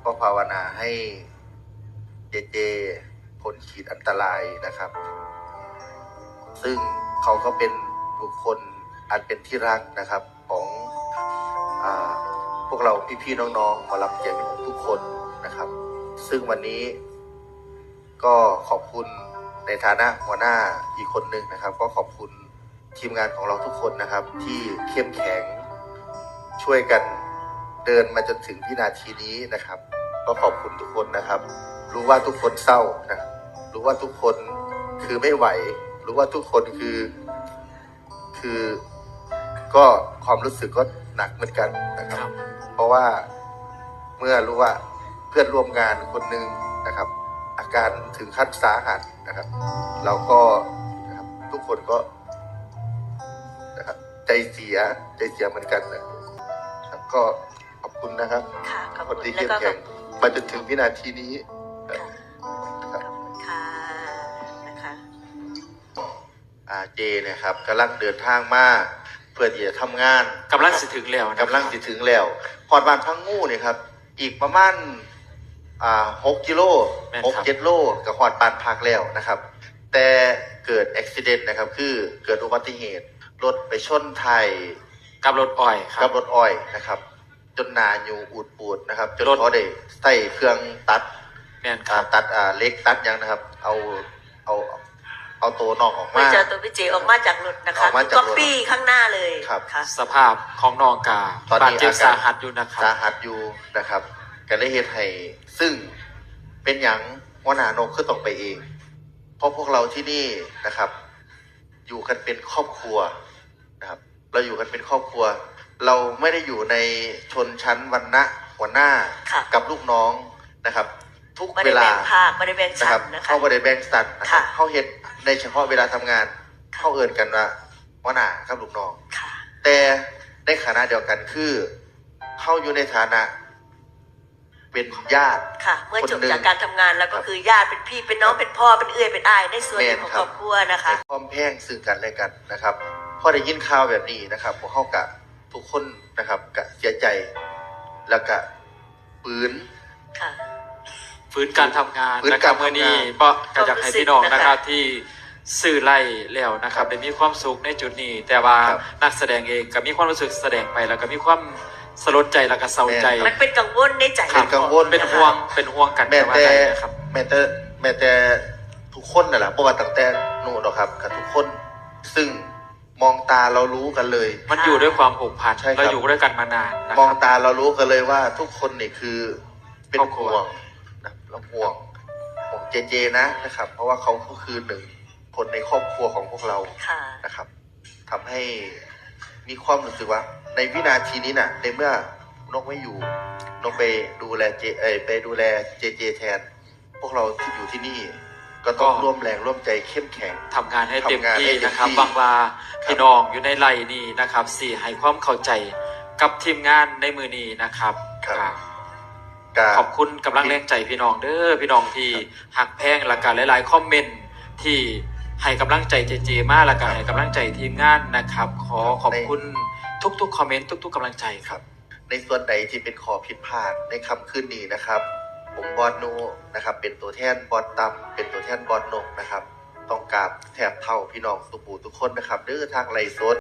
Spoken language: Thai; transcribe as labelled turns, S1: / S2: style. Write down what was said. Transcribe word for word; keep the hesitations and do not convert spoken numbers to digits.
S1: ก็ภาวนาให้เจเจพ้นขีดอันตรายนะครับ ซึ่งเขาก็เป็นบุคคลอันเป็นที่รักนะครับของอ่าพวกเราพี่ๆน้องๆหมอลำเสียงทุกคนนะครับ ซึ่งวันนี้ก็ขอบคุณในฐานะหัวหน้าอีกคนหนึ่งนะครับ ก็ขอบคุณทีมงานของเราทุกคนนะครับ ที่เข้มแข็งช่วยกันเดินมาจนถึงวินาทีนี้นะครับ ก็ขอบคุณทุกคนนะครับ รู้ว่าทุกคนเศร้านะรู้ว่าทุกคนคือไม่ไหวรู้ว่าทุกคนคือคือก็ความรู้สึกก็หนักเหมือนกันนะครับ เพราะว่าเมื่อรู้ว่าเพื่อนร่วมงานคนหนึ่งนะครับ อาการถึงขั้นสาหัสนะครับ เราก็นะครับทุกคนก็นะครับใจเสียใจเสียเหมือนกันนะครับก็ขอบคุณนะครับคนที่เข้มแข็งมาจนถึงวินาทีนี้นะครับ
S2: ค่ะนะคะ
S1: อาเจนะครับกำลังเดินทางมาเพื่อที่จะทำงาน
S3: กำลังสิถึงแล้ว
S1: กำลังสิถึงแล้วพอดบ้านพังงูเนี่ยครับอีกประมาณอ่าหกกิโลหกเจ็ดโลกับหอดบ้านพักแล้วนะครับแต่เกิดอุบัติเหตุนะครับคือเกิดอุบัติเหตุรถไปชนไทย
S3: กับรถอ้อยครับ
S1: กับรถอ้อยนะครับจนนาอยู่อูดปูดนะครับจนเขาได้ใส่เครื่องตัด
S3: แม่นครับ
S1: ตัดอ่าเล็กตัดยังนะครับเอาเอาเอาตัวนอกออกมา
S2: ไม่เจอตัวพี่เจออกมาจากรถนะคะก็ปี้ข้างหน้าเลย
S1: ครับ
S3: สภาพของน้องกา
S1: ตอนนี้อาการ
S3: สาหัสอยู่นะครับ
S1: สาหัสอยู่นะครับกันได้เหตุให้ซึ่งเป็นอย่างหัวหน้านกคือต้องไปเองเพราะพวกเราที่นี่นะครับอยู่กันเป็นครอบครัวนะครับเราอยู่กันเป็นครอบครัวเราไม่ได้อยู่ในชนชั้นวรรณะหัวหน้ากับลูกน้องนะครับทุกเวลา
S2: ไม่ได้แบ่งชั้นนะคะ
S1: เข้าไม่ได้แบ่งชั้นนะครับเข้าเฮ็ดในเฉพาะเวลาทำงานเข้าเอินกันว่าหัวหน้ากับลูกน้องแต่ในขณะเดียวกันคือเข้าอยู่ในฐานะเป็นญาติ
S2: ค่ะเมื่อจบจากการทำงานแล้วก็คือญาติเป็นพี่เป็นน้องเป็นพ่อเป็นเอื้อยเป็นอ้ายในส่วนของครอบครัวนะคะ
S1: ความแพงซึ่งกันและกันนะครับพอได้ยินข่าวแบบนี้นะครับพวกเขากะทุกคนนะครับกะเสียใจแล้วกะฟื้น
S2: ค่ะ
S3: ฟื้นการทำงานนะครับเมื่อนี้เพราะกระจับให้พี่น้องนะครับที่สื่อไล่แล้วนะครับได้มีความสุขในจุดนี้แต่ว่านักแสดงเองก็มีความรู้สึกแสดงไปแล้วก็มีความสลดใจแล้วก็เศร้าใจ
S2: มันเป็นกังวลในใจ
S1: เป็นกังวล
S3: เป็นห่วงเป็นห่วงกัน
S1: แม้แต่แม้แต่แม้แต่ทุกคนนั่นแหละเพราะว่าตั้งแต่นู่นหรอกครับกับทุกคนซึ่งมองตาเรารู้กันเลย
S3: มันอยู่ด้วยความผูกพันเราอยู่ด้วยกันมานาน
S1: มองตาเรารู้กันเลยว่าทุกคนนี่คือเป็นห่วงนะเราห่วงห่วงเจเจนะนะครับเพราะว่าเขาก็คือหนึ่งคนในครอบครัวของพวกเรานะครับทำให้มีความรู้สึกว่าในวินาทีนี้น่ะในเมื่อนกไม่อยู่นกไปดูแลเจเอไปดูแลเจเจแทนพวกเราที่อยู่ที่นี่ก็ต้องร่วมแรงร่วมใจเข้มแข็ง
S3: ทำงานให้เต็มที่นะครับบางลาพี่น้องอยู่ในไร่นี่นะครับสี่ให้ความเข้าใจกับทีมงานในมือนี้นะครับขอบคุณกำลังแรงใจพี่น้องเด้อพี่น้องที่หักแพงและกันหลายๆคอมเมนต์ที่ให้กำลังใจเจเจมากและกันให้กำลังใจทีมงานนะครับขอขอบคุณทุกๆคอมเมนต์ทุกๆกำลังใจครับ
S1: ในส่วนใดที่เป็นข้อผิดพลาดในค่ำคืนนี้นะครับผมบอลนูนะครับเป็นตัวแทนบอลต่ำเป็นตัวแทนบอลนกนะครับต้องกราบแทบเท่าพี่น้องสุปูทุกคนนะครับเด้อทางไลฟ์สด